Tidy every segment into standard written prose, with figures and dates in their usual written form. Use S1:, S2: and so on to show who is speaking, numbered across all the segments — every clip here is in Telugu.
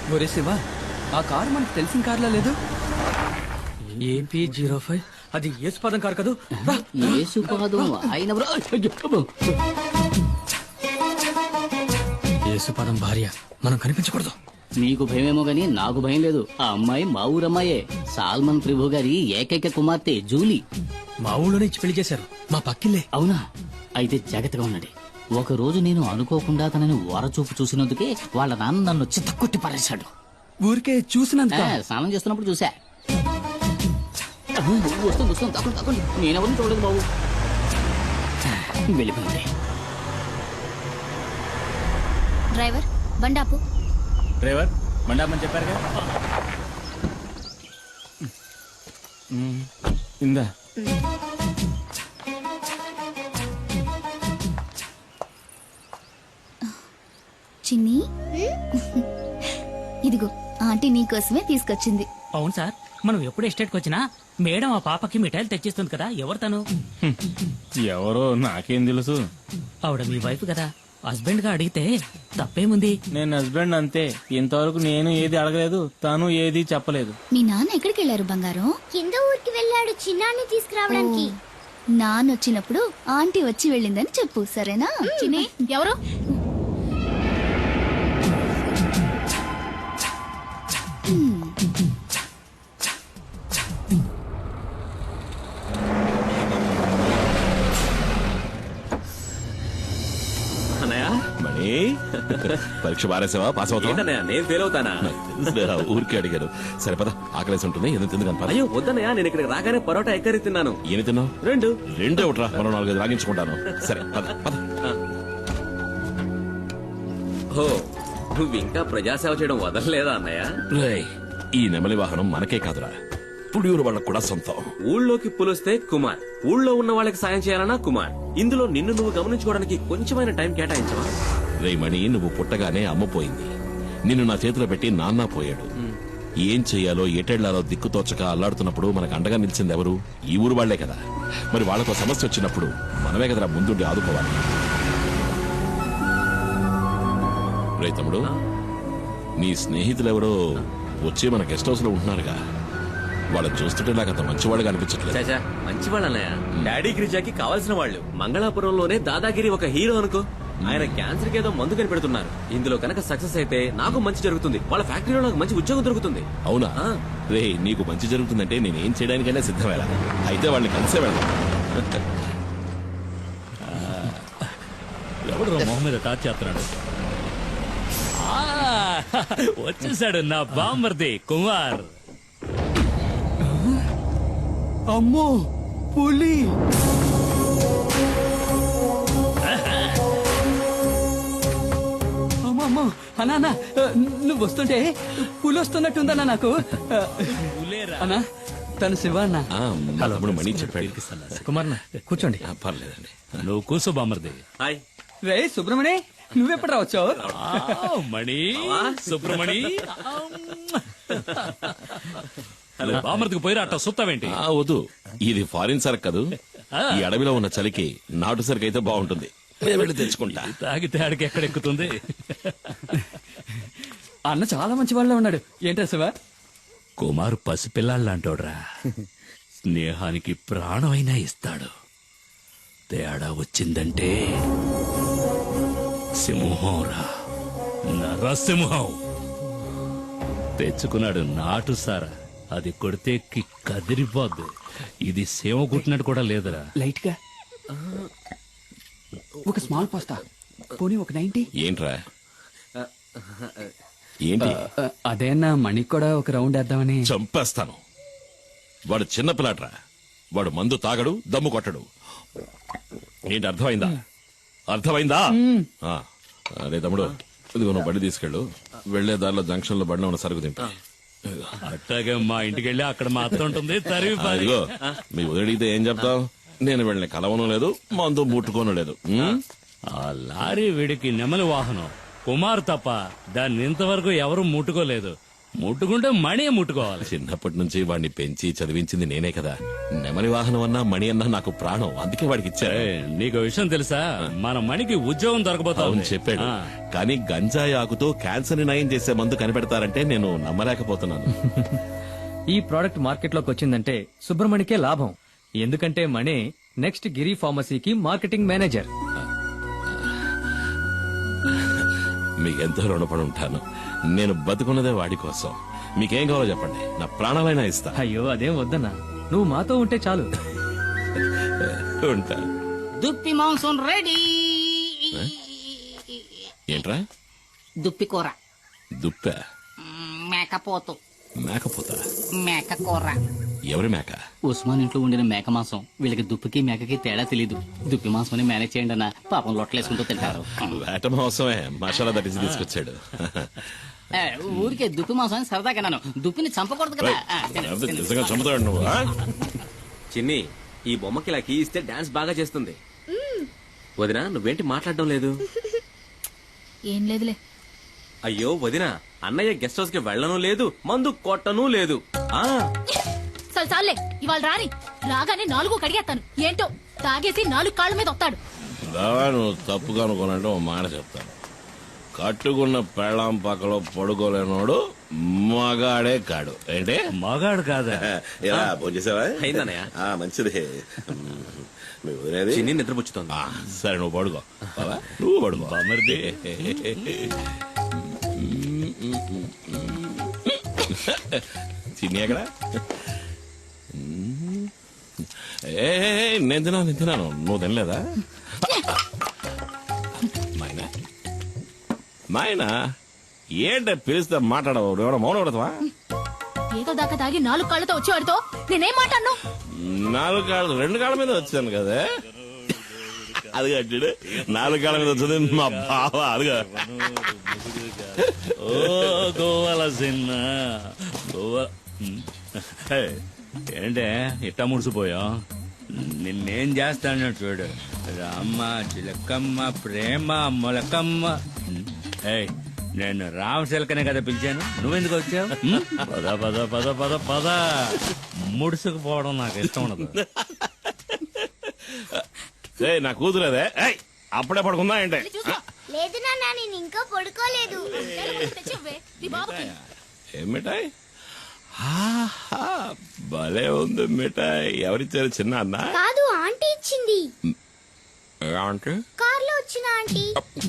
S1: ఒరే శివ, ఆ కారు మనకు తెలిసిన కార్లా లేదు.
S2: AP05 అది యేసుపాదం కారు కదూ.
S3: యేసుపాదం ఆయన
S2: యేసుపాదం భార్య, మనం కనిపించకూడదు.
S3: నీకు భయమేమో గాని నాకు భయం లేదు. ఆ అమ్మాయి మా ఊరమ్మాయే, సాల్మన్ ప్రభు గారి ఏకైక కుమార్తె జూలీ.
S2: మా ఊళ్ళోనే ఇచ్చి పెళ్లి చేశారు, మా పక్కిల్లే.
S3: అవునా? అయితే జాగ్రత్తగా ఉండండి. ఒక రోజు నేను అనుకోకుండా తనని వరచూపు చూసినందుకే వాళ్ళ నాన్న నన్ను చిత్తకొట్టి పారేశాడు.
S1: ఊరికే చూసినందుక?
S3: స్నానం చేస్తున్నప్పుడు చూసా. వస్తుంది వస్తుంది, తక్కువ తక్కువ. నేనెవరిని చూడలేదు బాబు. వెళ్ళిపోయింది.
S4: డ్రైవర్ బండాపు.
S5: డ్రైవర్ మండాపని చెప్పారుగా. ఇందా
S4: చిన్ని, ఇదిగో ఆంటీ నీకోసమే తీసుకొచ్చింది.
S6: అవును సార్, మనం ఎప్పుడు ఎస్టేట్కి వచ్చినా మేడం ఆ పాపకి మిఠాయిలు తెచ్చిస్తుంది కదా. ఎవరు తను?
S5: ఎవరో నాకేం తెలుసు.
S6: ఆవిడ మీ వైఫ్ కదా. హస్బెండ్ గా అడిగితే తప్పేముంది?
S5: నేను హస్బెండ్ అంతే. ఇంతవరకు నేను ఏది అడగలేదు, తను ఏది చెప్పలేదు.
S4: మీ నాన్న ఎక్కడికి వెళ్ళారు బంగారం?
S7: కింద ఊరికి వెళ్ళాడు చిన్నాన్ని తీసుకురావడానికి.
S4: నాన్న వచ్చినప్పుడు ఆంటీ వచ్చి వెళ్ళిందని చెప్పు, సరేనా? చిన్ని, ఎవరు?
S8: మణి, పరీక్ష బారేసావా? పాస్ అవుతా?
S9: నేను ఫెయిల్ అవుతానా?
S8: ఊరికి అడిగారు. సరే పద, ఆకలేసి ఉంటుంది, ఎందుకు తిందుకని పద.
S9: అయ్యో వద్దనయ్యా, నేను ఇక్కడికి రాగానే పరోటా ఎక్కరి తిన్నాను.
S8: ఏమి తిన్నావు? రెండు ఒకట్రా, మరో 4 రాగించుకుంటాను. సరే పద పద.
S9: ఓ, నువ్వు ఇంకా ప్రజాసేవ చేయడం వదలలేదా అన్నయ్య?
S8: రేయ్, ఈ నెమలి వాహనం మనకే కాదురా, పుడియూరు వాళ్ళకు కూడా సొంతం.
S9: ఊళ్ళోకి పులిస్తే కుమార్, ఊళ్ళో ఉన్న వాళ్ళకి సాయం చేయాలన్నా కుమార్. ఇందులో నిన్ను నువ్వు గమనించుకోవడానికి కొంచెమైన టైం కేటాయించవా?
S8: రే మణి, నువ్వు పుట్టగానే అమ్మ పోయింది. నిన్ను నా చేతిలో పెట్టి నాన్న పోయాడు. ఏం చెయ్యాలో ఎటెళ్లాలో దిక్కుతోచక అల్లాడుతున్నప్పుడు మనకు అండగా నిలిచింది ఎవరు? ఈ ఊరు వాళ్లే కదా. మరి వాళ్ళకు సమస్య వచ్చినప్పుడు మనమే కదరా ముందుండి ఆదుకోవాలి. రే తమ్ముడు, నీ స్నేహితులెవరో వచ్చి మన గెస్ట్ హౌస్ లో ఉంటున్నారుగా. వాళ్ళని చూస్తుంటే నాకు అంత మంచివాళ్ళుగా అనిపించట్లేదు.
S9: మంచివాళ్ళు అన్నయ్య. డాడీ గిరిజాకి కావాల్సిన వాళ్ళు. మంగళాపురంలోనే దాదాగిరి ఒక హీరో అనుకో. ఆయన క్యాన్సర్ కి ఏదో మందు కనిపెడుతున్నారు. ఇందులో కనుక సక్సెస్ అయితే నాకు మంచి జరుగుతుంది, వాళ్ళ ఫ్యాక్టరీలో నాకు మంచి ఉద్యోగం దొరుకుతుంది.
S8: అవునా? రే, నీకు మంచి జరుగుతుందంటే నేనేం చేయడానికైనా సిద్ధమేలా. అయితే వాళ్ళని కలిసే వెళ్దాం.
S6: ఎవడు మొహం మీద టార్చ్ చేస్తున్నాడు? వచ్చేసాడు నా బామ్మర్ది కుమార్.
S1: అమ్మో, పులి! అమ్మో అన్నా, నువ్వు వస్తుంటే పులి వస్తున్నట్టుందన్నా నాకు. అన్నా, తను శివ అన్న.
S8: తమ్ముడు మణి చెప్పాడు.
S2: కుమార్ కూర్చోండి.
S8: పర్లేదండి,
S6: నువ్వు కూర్చో బామ్మర్ది.
S9: హాయ్.
S1: రే సుబ్రమణి, నువ్వెప్పుడు రావచ్చావు?
S6: మణి, సుబ్రమణి. బామ్మర్దికి పోయిరా, అట్ట సుత్తావేంటి?
S8: వద్దు, ఇది ఫారిన్ సరుకు కదూ. ఈ అడవిలో ఉన్న చలికి నాటు సరుకు అయితే బాగుంటుంది. వెళ్ళి తెచ్చుకుంటా.
S6: తాగితే ఆడికి ఎక్కడెక్కుతుంది?
S1: అన్న చాలా మంచి వాళ్ళ ఉన్నాడు. ఏంటా శివ?
S6: కుమార్ పసిపిల్లాళ్ళంటోడ్రా. స్నేహానికి ప్రాణమైనా ఇస్తాడు. తేడా వచ్చిందంటే సింహంరా, నరసింహం. తెచ్చుకున్నాడు నాటు సారా. అది కొడితే కదిరిపోద్దు. ఇది సేవ కుట్టినట్టు కూడా లేదురా.
S1: లైట్ గా ఒక స్మాల్ పాస్తా, పోనీ ఒక 90.
S8: ఏంట్రా? ఏంటి?
S1: అదేనా, మణికి కూడా ఒక రౌండ్ వేద్దామని.
S8: చంపేస్తాను. వాడు చిన్న పిల్లాడ్రా. వాడు మందు తాగడు, దమ్ము కొట్టడు. ఏంటి, అర్థమైందా? అర్థమైందా? అదే తమ్ముడు, ఇదిగో నువ్వు బండి తీసుకెళ్ళు. వెళ్లే దారిలో జంక్షన్ లో బండి ఉన్న సరుకు తింటా.
S6: అట్టాగే మా ఇంటికి వెళ్ళి అక్కడ మా అత్త ఉంటుంది.
S8: ఇదిగో, మీ వదిలితే ఏం చెప్తావు? నేను వెళ్ళిన కలవను లేదు, మందు ముట్టుకోను లేదు.
S6: ఆ లారీ వీడికి నెమలి వాహనం. కుమార్ తప్ప దాన్ని ఇంతవరకు ఎవరు ముట్టుకోలేదు. ముట్టుకుంటే మణి ముట్టుకోవాలి.
S8: చిన్నప్పటి నుంచి వాడిని పెంచి చదివించింది నేనే కదా. నెమలి వాహనం అన్నా మణి అన్నా నాకు ప్రాణం, అందుకే వాడికి ఇచ్చా.
S6: ఏయ్, నీకు విషయం తెలుసా? మన మణికి ఉద్యోగం దొరకబోతా
S8: అవును
S6: ఉంది.
S8: చెప్పాడు,
S6: ఆ.
S8: కానీ గంజాయి ఆకుతో క్యాన్సర్ ని నయం చేసే మందు కనిపెడతారంటే నేను నమ్మలేకపోతున్నాను.
S2: ఈ ప్రోడక్ట్ మార్కెట్ లోకి వచ్చిందంటే సుబ్రమణికే లాభం. ఎందుకంటే మణి నెక్స్ట్ గిరి ఫార్మసీకి మార్కెటింగ్ మేనేజర్.
S8: మీకెంతో రుణపడి ఉంటాను. నేను బతుకున్నదే వాడి కోసం. మీకేం కావాలో చెప్పండి, నా ప్రాణాలైనా ఇస్తా.
S2: అయ్యో అదేం వద్దన్నా, నువ్వు మాతో ఉంటే చాలు.
S8: ఉంటా.
S3: దుప్పి మాంసం రెడీ.
S8: ఏంట్రా?
S3: దుప్పి కూర.
S8: దుప్ప?
S3: మేకపోతు.
S8: మేకపోతా?
S3: మేక కూర.
S8: ఎవరి మేక?
S3: ఉస్మాన్ ఇంట్లో ఉండిన మేక మాంసం. వీళ్ళకి దుప్పికి మేకకి తేడా తెలీదు. దుప్పి మాంసం మేనేజ్ చేయండి అన్న, పాపం లొట్టలేసుకుంటూ తింటారు.
S8: వేట మోసమే మసాలా దట్టించి తీసుకొచ్చాడు.
S3: ఏ, ఊరికే దుప్పి మాంసం అని సరదాగా నన్ను దుప్పిని చంపకూడదు కదా.
S8: లేకపోతే నిజంగా చంపుతాడు నువ్వు. ఆ?
S9: చిన్ని, ఈ బొమ్మకి ఇలా కీ ఇస్తే డాన్స్ బాగా చేస్తుంది. వదినా, నువ్వేంటి మాట్లాడడం లేదు?
S4: ఏం లేదులే.
S9: అయ్యో వదినా, అన్నయ్య గెస్ట్ హౌస్ కి వెళ్ళను లేదు, మందు కొట్టను లేదు. ఆ
S10: చాలే, ఇవాళ రాని రాగానే 4 కడిగేస్తాను. ఏంటో తాగేసి 4 కాళ్ళ మీద వస్తాడు.
S8: బావా, నువ్వు తప్పుగా అనుకోనంటే ఓ మాట చెప్తాను. కట్టుకున్న పెళ్ళాం పక్కలో పడుకోలేనోడు మగాడే కాడు. ఏంటి?
S6: మగాడు కాదా?
S8: ఇలా భోంచేసావా?
S9: అయిందన్నయ్య.
S8: మంచిది. మీ వదిలేది?
S9: చిన్ని నిద్రపుచ్చుతోంది.
S8: సరే, నువ్వు పడుకో. బావా, నువ్వు పడుకో.
S6: బామర్ది.
S8: చిన్ని ఎక్కడ? నేను తిన్నాను. నువ్వు తినలేదా? మైనా, మైనా, ఏంట పిలిస్తే మాట్లాడవు? ఎవడో మౌనం పడతావా?
S10: ఏదో దాకా తాగి 4 కాళ్ళతో వచ్చేవాడితో నేనేం మాట్లాడను.
S8: 4 కాళ్ళు 2 కాళ్ళ మీద వచ్చాను కదా. అది కట్టాడు 4 కాళ్ళ మీద వచ్చింది మా బావ. అదిగా
S6: ఓ గోవాల సిన్న గోవా. ఏంటే ఇట్టా ముడిసిపోయా? నిన్నేం చేస్తాను చూడు. రామ్మ చిలకమ్మ ప్రేమ మొలకమ్మ. ఏయ్, నేను రామశిలకనే కదా పిలిచాను, నువ్వెందుకు వచ్చావు? పద పద పద పద పద. ముడుసుకుపోవడం నాకు ఇష్టం ఉండదు.
S8: నా కూతురేదే. అప్పుడే పడుకుందా ఏంటే?
S7: లేదు నాన్న, నేను ఇంకా పడుకోలేదు.
S10: తెచ్చివ్వే, నీ బాబుకి.
S8: ఏం మిఠాయి? ఆహా, భలే ఉంది మిఠాయి. ఎవరిచ్చారు? చిన్న అన్న?
S7: కాదు, ఆంటీ ఇచ్చింది.
S8: అంటే
S7: కార్లో వచ్చిన ఆంటీ.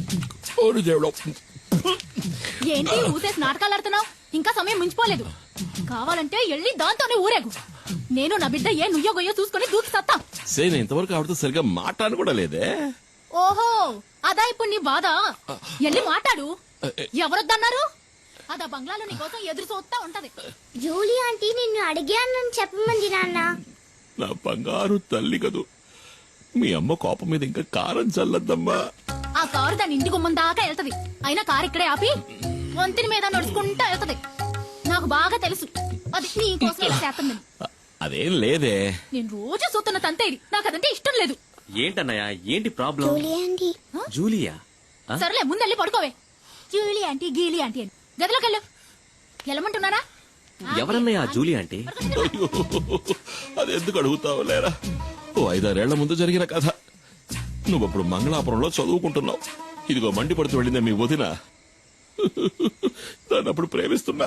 S10: ఏంటి ఊసేసి నాటకాలు ఆడుతున్నావు? ఇంకా సమయం మించిపోలేదు. కావాలంటే వెళ్ళి దాంతోనే ఊరేగు. నేను నా బిడ్డ ఏ నుయ్యో గొయ్యో చూసుకుని దూకి సత్తా.
S8: నేను ఇంతవరకు ఆవిడతో సరిగ్గా మాట్లాడను కూడా లేదే.
S10: ఓహో, అదా ఇప్పుడు నీ బాధ? వెళ్ళి మాట్లాడు. ఎవరొద్దన్నారు? అదా బంగ్లాలో నీ కోసం ఎదురు చూస్తా ఉంటది.
S7: జూలీ ఆంటీ నిన్ను అడిగానని చెప్పమంది నాన్న.
S8: నా బంగారు తల్లి కదూ. మీ అమ్మ కోపం మీద ఇంకా కారం చల్లద్దమ్మా.
S10: ఆ కారు దాని ఇంటి గుమ్మం దాకా వెళ్తది. అయినా కారు ఇక్కడే ఆపి వంతిని మీద నడుచుకుంటా వెళ్తది. నాకు బాగా తెలుసు అది నీ కోసం ఇలా చేస్తుందని.
S8: అదేం లేదే.
S10: నేను రోజు చూస్తున్న తంతే ఇది. నాకు అదంటే ఇష్టం లేదు.
S9: ఏంటన్నయ్య, ఏంటి ప్రాబ్లం?
S7: Julie aunty.
S9: జూలియా?
S10: సరేలే, ముందెళ్ళి పడుకోవే. జూలీ ఆంటీ గీలీ ఆంటీ అని గదిలోకి వెళ్ళు. వెళ్ళమంటున్నారా?
S9: ఎవరన్నయ్య జూలి ఆంటీ?
S8: అయ్యో, అది ఎందుకు అడుగుతావు లేరా? ఓ 5-6 ఏళ్ల ముందు జరిగిన కథ. నువ్వప్పుడు మంగళాపురంలో చదువుకుంటున్నావు. ఇదిగో మండి పడుతూ వెళ్ళిందే మీ వదిన. దాన్ని అప్పుడు ప్రేమిస్తున్నా.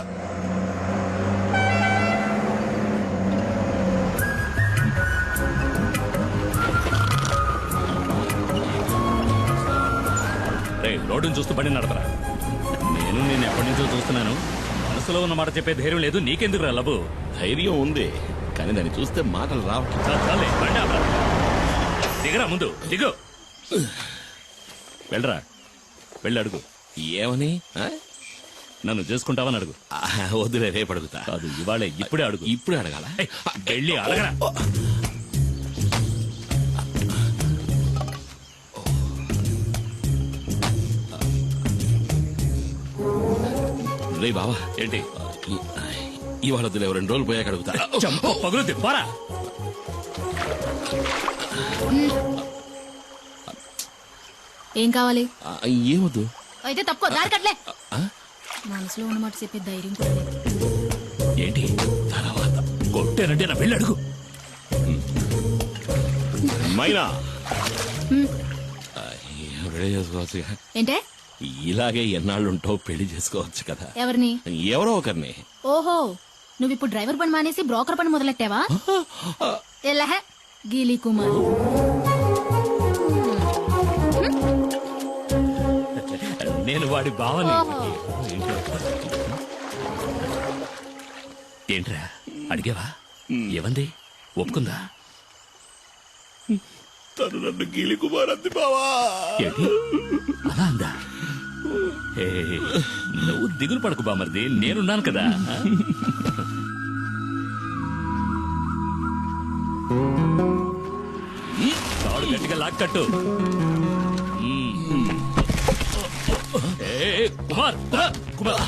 S6: రోడ్డును చూస్తూ బండి నడపరా. నేను ఎప్పటి నుంచో చూస్తున్నాను. మనసులో ఉన్న మాట చెప్పే ధైర్యం లేదు. నీకెందుకు రా లబు?
S8: ధైర్యం ఉంది, కానీ దాన్ని చూస్తే మాటలు
S6: చాలే, బండి ఆపరా. దిగరా, ముందు దిగు. వెళ్ళరా, వెళ్ళి అడుగు.
S8: ఏమని?
S6: నన్ను చేసుకుంటావని అడుగు.
S8: వద్దులే, రేపు అడుగుతా.
S6: కాదు, ఇవాళే, ఇప్పుడే అడుగు.
S8: ఇప్పుడే అడగాల?
S6: వెళ్ళి అడగరా.
S8: రే బావా,
S6: ఏంటి?
S8: ఇవాళ వద్దులే, 2 రోజులు పోయాక అడుగుతా.
S6: పగులుద్ది, పోరా.
S10: ఏం కావాలి?
S8: ఏమొద్దు.
S10: అయితే తప్పుకో, దారి కట్లే. మనసులో ఉన్నమాట చెప్పే ధైర్యం కూడా లేదు.
S6: ఏంటి తర్వాత కొట్టానంటే నా పెళ్ళి అడుగు.
S8: మైనా రెడీ చేసుకోవచ్చు.
S10: ఏంటే
S8: ఇలాగే ఎన్నాళ్ళుంటావు, పెళ్లి చేసుకోవచ్చు కదా.
S10: ఎవరిని?
S8: ఎవరో ఒకరిని.
S10: ఓహో, నువ్వు ఇప్పుడు డ్రైవర్ పని మానేసి బ్రోకర్ పని మొదలెట్టావా? ఎల్లహ గీలీ కుమార్.
S6: నేను వాడి బావని.
S10: ఓహో.
S6: ఏంట్రా అడిగావా? ఏమంది? ఒప్పుకుందా?
S8: తను నన్ను గీలి కుమార్ అంది బావా.
S6: ఏంటి అలా అందా? ఏ, నువ్వు దిగులు పడకు బామర్ది, నేనున్నాను కదా. తాడు గట్టిగా లాక్కట్టు. ఏ, కుమార్ కుమార్.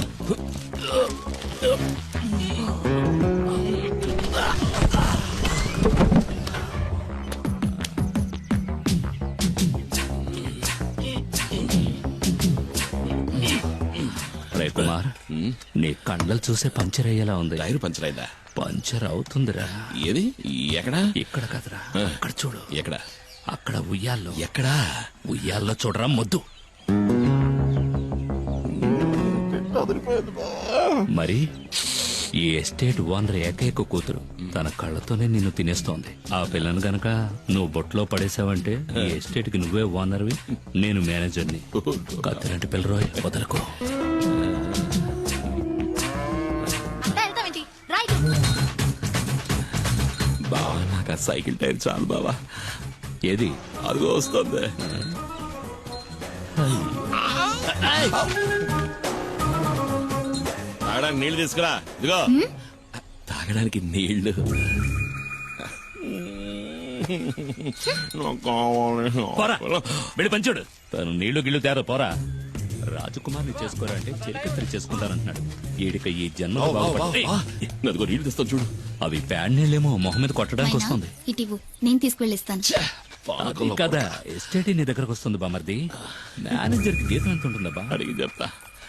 S6: రే కుమార్, నీ కండలు చూసే పంచర్ అయ్యేలా ఉంది.
S8: టైర్ పంచర్ అయిందా?
S6: పంచర్ అవుతుందిరా.
S8: ఏది? ఎక్కడా?
S6: ఇక్కడ కదరా, అక్కడ చూడు.
S8: ఎక్కడ?
S6: అక్కడ ఉయ్యాల్లో.
S8: ఎక్కడా?
S6: ఉయ్యాల్లో చూడరా మొద్దు. మరి ఈ ఎస్టేట్ ఓనర్ ఏకైక కూతురు తన కళ్ళతోనే నిన్ను తినేస్తోంది. ఆ పిల్లను గనక నువ్వు బొట్లో పడేసావంటే ఈ ఎస్టేట్ కి నువ్వే ఓనర్వి, నేను మేనేజర్ని. కత్తిలాంటి పిల్లరోయ్, వదలకు.
S10: అంతా వెళ్తావేంటి? రైట్.
S8: బావా నాకు ఆ సైకిల్ టైర్ చాలు బావా.
S6: ఏది?
S8: అదిగో వస్తుంది. తాగడానికి నీళ్లు తీసుకురా. ఇదిగో
S6: తాగడానికి నీళ్లు. పోరా, వెళ్ళి పంచుడు. తను నీళ్లు గిళ్ళు తేరా, పోరా. రాజకుమార్ని చేసుకోరా అంటే చెరికత్తరి చేసుకుంటానంటున్నాడు. ఈడిక ఈ జన్మ
S8: అదిగో నీళ్లు తెస్తాను చూడు.
S6: అవి ప్యాడ్ నీళ్ళేమో మొహం మీద కొట్టడానికి వస్తుంది.
S4: ఇటివు నేను తీసుకువెళ్ళిస్తాను.
S6: అది కదా, ఎస్టేట్ నీ దగ్గరకు వస్తుంది బామర్ది. మేనేజర్ కి జీతం ఎంత ఉంటుందా?
S8: అడిగి చెప్తా.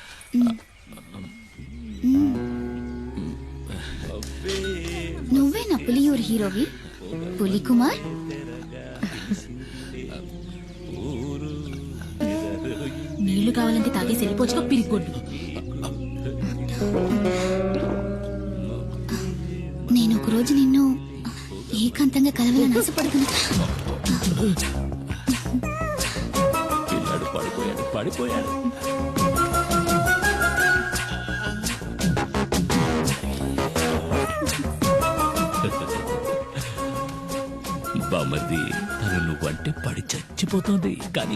S4: నువ్వే నా పులియూరు హీరోవి, పులి కుమార్.
S10: నీళ్లు కావాలంటే తాగేసి వెళ్ళిపోవచ్చుగా పిరిగొడ్డు.
S4: నేను ఒక రోజు నిన్ను ఏకాంతంగా కలవాలని ఆశపడుతున్నా.
S6: పిల్లాడు పడిపోయాడు. బామర్ది, తను నువ్వంటే పడి చచ్చిపోతుంది కానీ